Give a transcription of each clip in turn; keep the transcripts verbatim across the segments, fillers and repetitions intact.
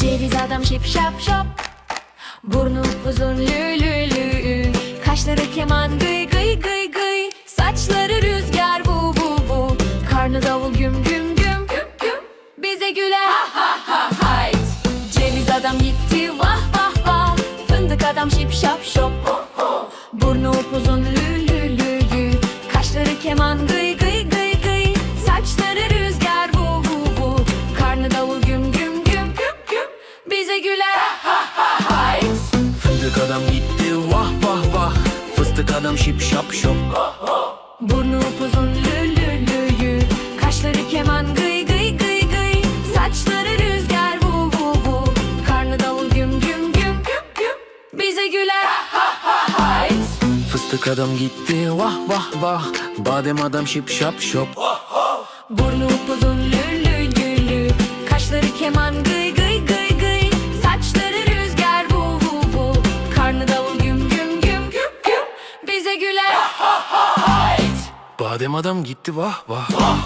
Ceviz adam şip şap şop, burnu uzun lü lü lü, kaşları keman gıy gıy gıy gıy, saçları rüzgar bu bu bu, karnı davul güm güm güm güm güm, bize güler ha ha ha hayt. Ceviz adam gitti vah vah vah, fındık adam şip şap şop, burnu upuzun lü lü lü lü, kaşları keman gıy gıy gıy gıy, saçları rüzgar bu bu bu, karnı davul güm güm güm güm güm, bize güler ha ha ha hayt. Fındık adam gitti vah vah vah, fıstık adam şip şap şop, burnu upuzun lü lü lü lü, kaşları keman gıy gıy gıy gıy, saçları rüzgar bu bu bu, karnı davul güm güm güm güm güm, bize güler ha ha hayt. fıstık adam gitti vah vah vah, badem adam şip şap şop, Burnu upuzun lü lü lü lü, kaşları keman gıy gıy gıy gıy, saçları rüzgar bu bu bu, karnı davul güm güm güm güm güm, bize güler ha ha hayt. badem adam gitti vah vah.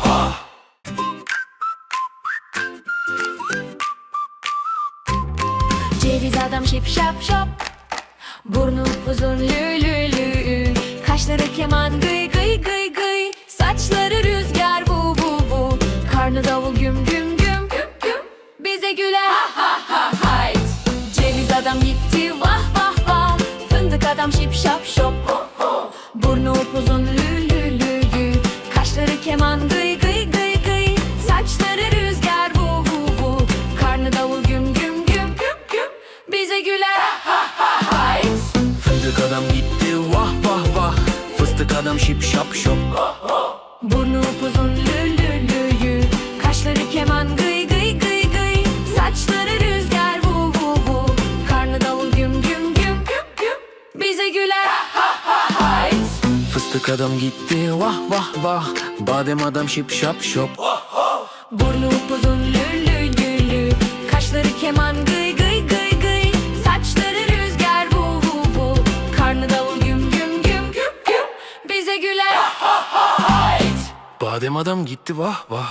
Ceviz adam şip şap şop, burnu uzun lü lü lü, kaşları keman gıy gıy gıy gıy, saçları rüzgar bu bu bu, karnı davul güm güm güm güm güm, bize güler ha ha ha hayt. Ceviz adam gitti vah vah vah, fındık adam şip şap şop, burnu upuzun lü lü lü lü, kaşları keman gıy gıy gıy gıy, saçları rüzgar bu bu bu, karnı davul güm güm güm güm güm, bize güler ha ha hayt. Fındık adam gitti vah vah vah, fıstık adam şip şap şop, Burnu upuzun lü lü lü lü, kaşları keman gıy gıy gıy gıy, saçları rüzgar bu bu bu, karnı davul güm güm güm güm güm, bize güler ha ha hayt. fıstık adam gitti vah vah vah, badem adam şip şap şop, Burnu upuzun lü lü lü lü, kaşları keman gıy gıy gıy gıy, saçları rüzgar bu bu bu, karnı davul güm güm güm güm güm, bize güler ha ha hayt. badem adam gitti vah vah.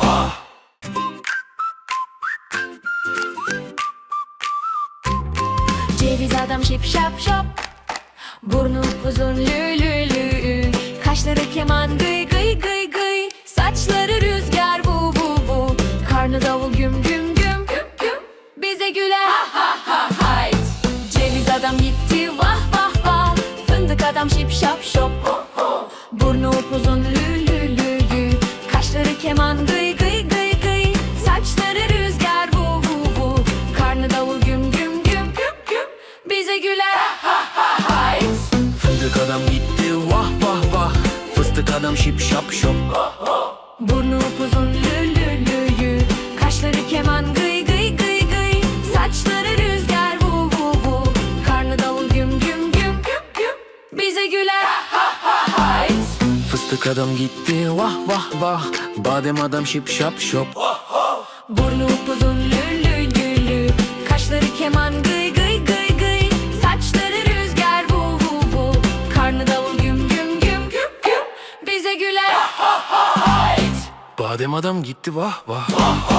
Ceviz adam şip şap şop, burnu uzun lü lü lü, kaşları keman gıy gıy gıy gıy, saçları rüzgar bu bu bu, karnı davul güm güm güm güm güm, bize güler ha ha ha hayt. Ceviz adam gitti vah vah vah, fındık adam şip şap şop, burnu upuzun lü lü lü lü, kaşları keman gıy gıy gıy gıy, saçları rüzgar bu bu bu, karnı davul güm güm güm güm güm, bize güler ha ha hayt. Fındık adam gitti vah vah vah, fıstık adam şip şap şop, Burnu upuzun lü lü lü lü, kaşları keman gıy gıy gıy gıy, saçları rüzgar bu bu bu, karnı davul güm güm güm güm güm, bize güler ha ha hayt. fıstık adam gitti vah vah vah, badem adam şip şap şop, Burnu upuzun lü lü lü lü, kaşları keman gıy gıy gıy gıy, saçları rüzgar bu bu bu, karnı davul güm güm güm güm güm, bize güler ha ha hayt. badem adam gitti vah vah.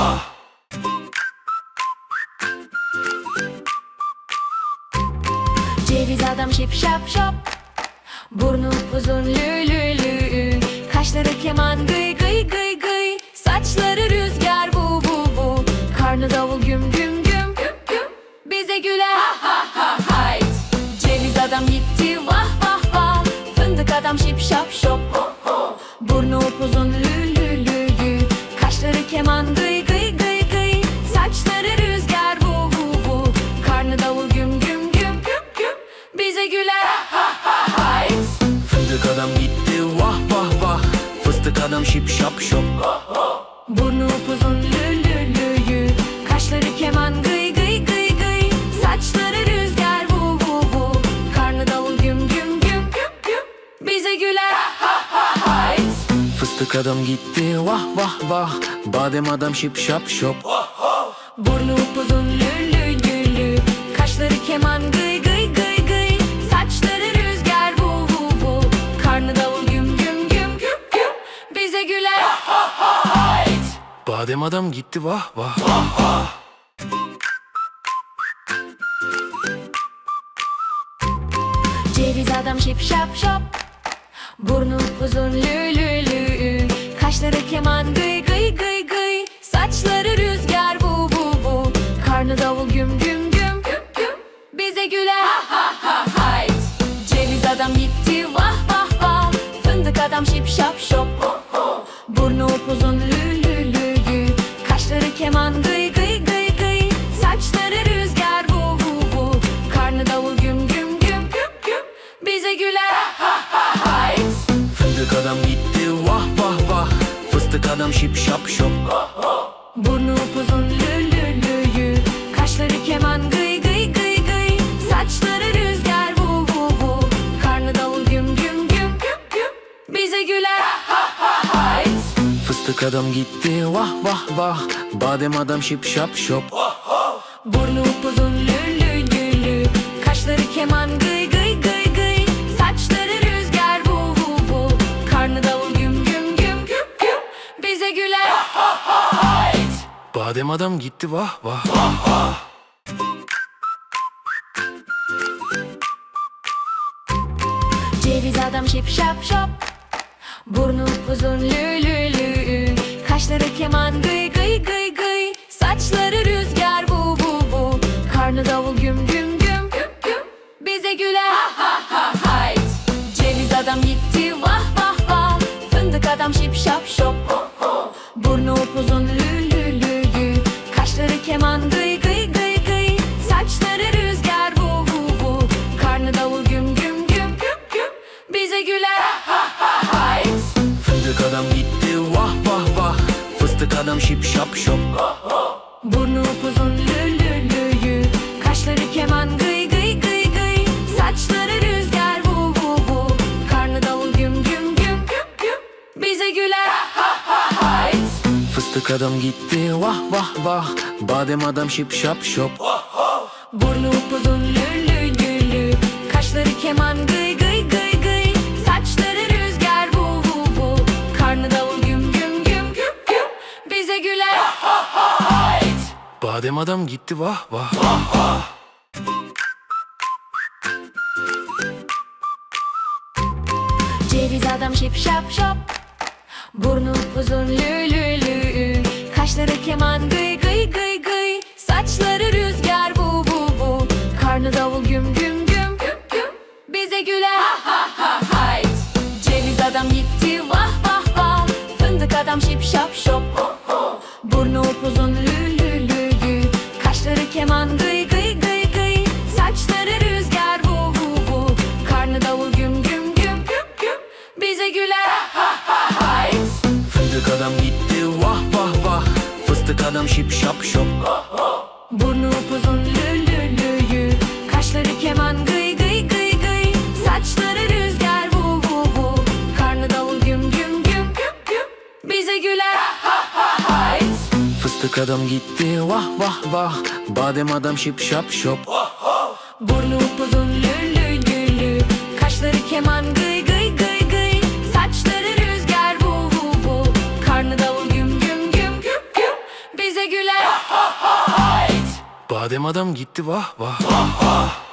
Ceviz adam şip şap şop, burnu uzun lü lü lü, kaşları keman gıy gıy gıy gıy, saçları rüzgar bu bu bu, karnı davul güm güm güm güm güm, bize güler ha ha ha hayt. Ceviz adam gitti vah vah vah, fındık adam şip şap şop, burnu upuzun lü lü lü lü, kaşları keman gıy gıy gıy gıy, saçları rüzgar bu bu bu, karnı davul güm güm güm güm güm, bize güler ha ha hayt. Fındık adam gitti vah vah vah, fıstık adam şip şap şop, Burnu upuzun lü lü lü lü, kaşları keman gıy gıy gıy gıy, saçları rüzgar bu bu bu, karnı davul güm güm güm güm güm, bize güler ha ha hayt. fıstık adam gitti vah vah vah, badem adam şip şap şop, Burnu upuzun lü lü lü lü, kaşları keman gıy gıy gıy gıy, saçları rüzgar bu bu bu, karnı davul güm güm güm güm güm, bize güler ha ha hayt. badem adam gitti vah vah. Ceviz adam şip şap şop, burnu uzun lü lü lü, kaşları keman gıy gıy gıy gıy, saçları rüzgar vu vu vu, karnı davul güm güm güm güm güm, bize güler ha ha ha hayt. Ceviz adam gitti vah vah vah, fındık adam şip şap şop, burnu upuzun lü lü lü lü, kaşları keman gıy gıy gıy gıy, saçları rüzgar vu vu vu, karnı davul güm güm güm güm güm, bize güler ha ha ha hayt. Fındık adam gitti vah vah vah, fıstık adam şip şap şop, burnu upuzun lü lü lü lü, kaşları keman gıy gıy gıy gıy, saçları rüzgar vu vu vu, karnı davul güm güm güm güm güm, bize güler ha ha hayt. fıstık adam gitti vah vah vah, badem adam şip şap şop, Burnu upuzun lü lü lü lü, kaşları keman gıy gıy gıy gıy, saçları rüzgar vu vu vu, karnı davul güm güm güm güm güm, bize güler ha ha hayt. badem adam gitti vah vah. Ceviz adam şip şap şop, burnu uzun lü lü lü, kaşları keman gıy gıy gıy gıy, saçları rüzgar vu vu vu, karnı davul güm güm güm güm güm, bize güler ha ha ha hayt. Ceviz adam gitti vah vah vah, fındık adam şip şap şop, burnu upuzun lü lü lü lü, kaşları keman gıy gıy gıy gıy, saçları rüzgar vu vu vu, karnı davul güm güm güm güm güm, bize güler ha ha hayt. Fındık adam gitti vah vah vah, fıstık adam şip şap şop, Burnu upuzun lü lü lü lü, kaşları keman gıy gıy gıy gıy, saçları rüzgar vu vu vu, karnı davul güm güm güm güm güm, bize güler ha ha hayt. fıstık adam gitti vah vah vah, badem adam şip şap şop, Burnu upuzun lü lü lü lü, kaşları keman gıy gıy gıy gıy, saçları rüzgar vu vu vu, karnı davul güm güm güm güm güm, bize güler ha ha hayt. badem adam gitti vah vah. Ceviz adam şip şap şop, burnu uzun lü lü lü, kaşları keman gıy gıy gıy gıy, saçları rüzgar vu vu vu, karnı davul güm güm güm güm güm, bize güler ha ha ha hayt. Ceviz adam gitti vah vah vah, fındık adam şip şap şop, burnu upuzun lü lü lü lü, kaşları keman gıy gıy gıy gıy, saçları rüzgar vu vu vu, karnı davul güm güm güm güm güm, bize güler ha ha hayt. Fındık adam gitti vah vah vah, fıstık adam şip şap şop, Burnu upuzun lü lü lü lü, kaşları keman gıy gıy gıy gıy, saçları rüzgar vu vu vu, karnı davul güm güm güm güm güm, bize güler ha ha hayt. fıstık adam gitti vah vah vah, badem adam şip şap şop, Burnu upuzun lü lü lü lü, kaşları keman gıy gıy gıy gıy, saçları rüzgar vu vu vu, karnı davul güm güm güm güm güm, bize güler ha ha hayt. badem adam gitti vah vah.